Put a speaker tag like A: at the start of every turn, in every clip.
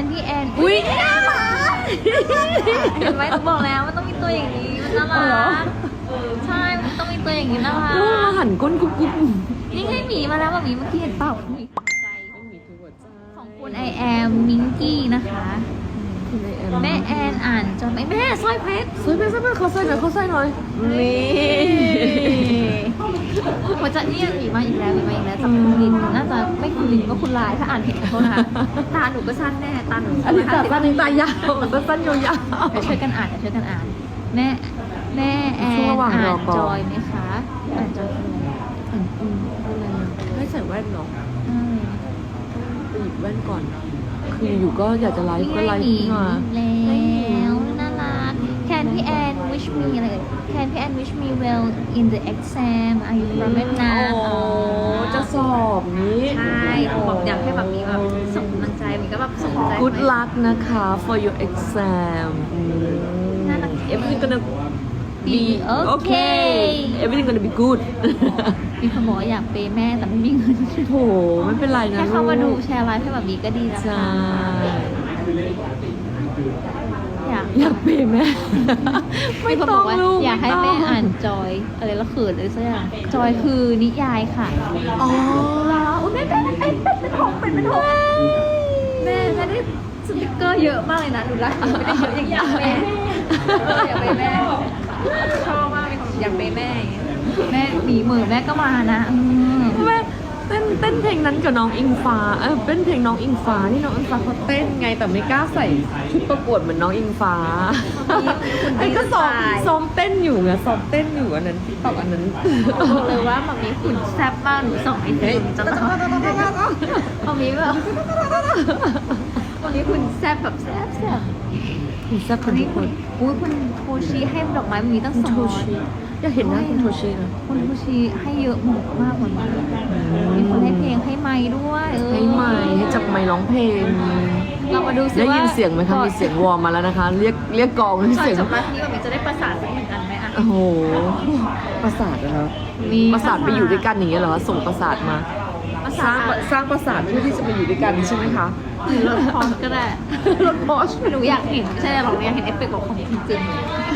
A: นพี่แอนอุ้ยน่ารักเห็นไหมหนูบอกแล้วมันต้องมีตัวอย่างนี้มันน่ารักใช่มันต้องมีตัวอย่างนี้น่ารัก
B: ลูกมาหันก้นกุ๊บกุ๊บ
A: นี่ไงหมีมาแล้วแบบหมีเมื่อกี้เห็นเปล่าหมีใจของคุณไอแอมมิงกี้นะคะแม่แอนอ่านจนแม่สร้อยเพชร
B: สวยไปเขาใส่หน่อยนี่
A: หัวใจนี่หมีมาอีกแล้วจากคุณลินน่าจะไม่คุณลินก็คุณลายถ้าอ่านผิดขอโทษนะคะตาหนูก็สั้นแน่ตาหนู
B: อันนี้ตัดสั้นตายาวสั้นยาว
A: เดี๋ยวช่วยกันอ่านแม่แอนอ่านจอยไหมคะอ่านจอยคืออะไร
B: ให้ใส่แว่นเนาะ
A: อืม
B: ไปหยิบแว่นก่อนคืออยู่ก็อยากจะไลฟ์ก็ไลฟ์
A: หมี
B: ขึ้นมา
A: แล้วน่ารัก Can พี่แอน wish me อะไร Can พี่แอน wish me well in the exam Are you from Vietnam
B: โอ้จะสอบนี้
A: ใช่บอกอยากให้แบบมีแบบส่งกำลังใจมีก็แบบส่งกำลังใจ
B: Good luck นะคะ for your exam
A: น่ารัก
B: Everything gonna be
A: okay
B: okay Everything gonna be good
A: มีคนบอกว่าอยากเปย์แม่แต่ไม่มีเงิน
B: โถไม่เป็นไรนะ
A: แค่เข้ามาดูแชร์ไลฟ์ให้แบบนี้ก็ดีแล้ว
B: ใช่
A: อยาก
B: อยากเปย์แม่ ไม่
A: มีคน
B: ต้
A: บ
B: อ
A: อง กว่า
B: ลูก
A: อยากให้
B: ไต้ง
A: แม่อ่านจอยอะไรแล้วเขินเลยสักอย่างจอยคือนิยายค่ะ
B: อ๋อ
A: แม่เป็นหกเป็นหกแม่ได้สติกเกอร์เยอะมากเลยนะดูรักไม่ได้เยอะอย่างนี้แม่อยากไปแม่ชอบมากมีคนอยากไปแม่แม่หมีเหมือแม่ก็มานะ
B: แม่เต้นเพลงนั้นกับน้องอิงฟ้าเป็นเพลงน้องอิงฟ้าที่น้องอิงฟ้าเขาเต้นไงแต่ไม่กล้าใส่ชุดประกวดเหมือนน้องอิงฟ้าไอ้ก็ซ้อมเต้นอยู่ไงซ้อมเต้นอยู่อันนั้นตอกอันนั้น
A: บอกเลยว่าแบบนี้หุ่นแซ่บมากหนูส่งไอติมจะต้องแบบนี้แบบวันนี้หุ่นแซ่บแบบแซ่บ
B: คุณแซ่บค
A: วัน น
B: ทุ
A: นี้
B: กค
A: คุณ
B: น
A: คุณโทชิให้ดอกไม้วันนี้ตั้ง
B: คุณ
A: สอง
B: โท
A: ร้อย
B: ชิอยากเห็นหน้าคุณโทชินะ
A: คุณโทชิให้เยอะมากกว่านี้มีคนให้เพลงให้ไมค์ด้วย
B: ให้ไมค์ให้จับไมค์ร้องเพลง
A: เรามาดูซิ
B: ได้
A: ว่า
B: ยินเสียงไหมคะมีเสียงวอร์มมาแล้วนะคะ เรียกกองมี
A: ก่อน
B: เสียง
A: จบไลฟ์นี้แบบนี้จะได้ประสานสักหนึ่งอันไหมอ่ะ
B: โอ้โหประสาทนะครับประสาทไปอยู่ด้วยกันอย่างเงี้ยเหรอส่งประสาทมา
A: ประ
B: สร้า
A: สาง น
B: ประสาทเพื่อที่จะมาอยู่ด้วยกันใช่ไหมคะ
A: หรือรถพร้อมก็ได้
B: รถบอส
A: หนูอยากเห็นไม่ใช่หรอกอยากเห็นเอฟเฟกต์ของจริงๆ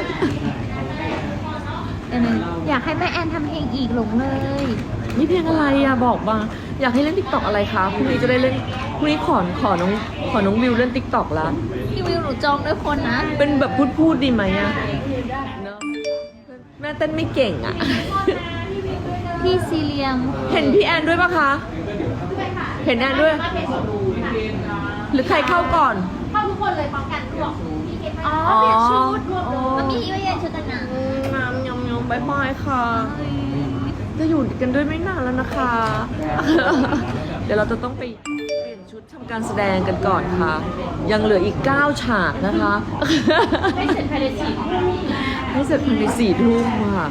A: อยากให้แม่แอนทำเพลงอีกหลงเลย
B: นี่เพลงอะไรอะบอกมาอยากให้เล่นติ๊กต็อกอะไรคะพรุ่งนี้จะได้เล่นพรุ่งนี้ขอน้องวิวเล่นติ๊กต็อกละ
A: พี่วิวหนูจองด้วยคนนะ
B: เป็นแบบพูดดีไหมอะเนอะแม่เต้นไม่เก่งอะ
A: พี่ซีเรียม
B: เห็นพี่แอนด้วยปะคะ เห็นแอนด้วย หรือใครเข้าก่อน
A: เข้าทุกคนเลยพร้อมกันรวมอ๋อเปลี่ยนชุดมันมีว่าเย็นชุดกันนะ
B: ยำบายบายค่ะ จะอยู่กันด้วยไม่นานแล้วนะคะ เดี๋ยวเราจะต้องไปเปลี่ยนชุดทำการแสดงกันก่อนค่ะ ยังเหลืออีก 9 ฉากนะคะ
A: ให้เสร็จภายใน4 ทุ่ม
B: ให้เสร็จภายใน4 ทุ่มค่ะ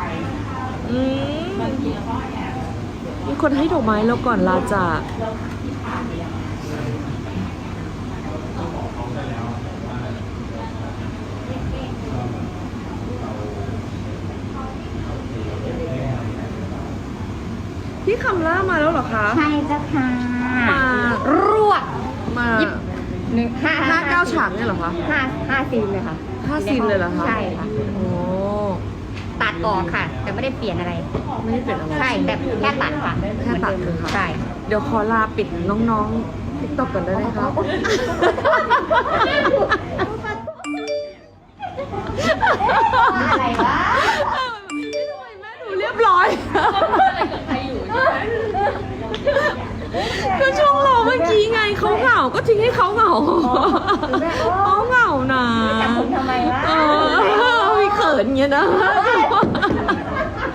B: มีคนให้ดอกไม้แล้วก่อนลาจากพี่คำล่ามาแล้วเหรอคะ
A: ใช่จ้ะค่ะ
B: มาร
A: วด
B: มา 5-9 ฉากเนี่ยเหรอคะ
A: ห้าซีนเลยค่ะ
B: 5 ซีนเลยเหรอคะ
A: ใช่ค่ะ
B: โอ้
A: ตัดออกค่ะ แต่ไม่ได้เปลี่ยนอะไร
B: ไม่ได้เป็นอะไร
A: ใช่แต่แค่ตัดค่ะ
B: แค่ตัดเลยค่ะ
A: ใช่
B: เดี๋ยวขอลาปิดน้องๆติ๊กต็อกก่อนได้ไหมคะ
A: อะไรวะ
B: ไม่ทำไมแม่ดูเรียบร้อยก็ช่วงรอเมื่อกี้ไงเขาเหงาก็ทิ้งให้เขาเหงาเขาเหงานะ
A: จับผมทำไมวะ
B: มีเขินเงี้ยนะ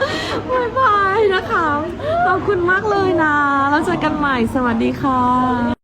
B: บายบายนะคะขอบคุณมากเลยนะแล้วเจอกันใหม่สวัสดีค่ะ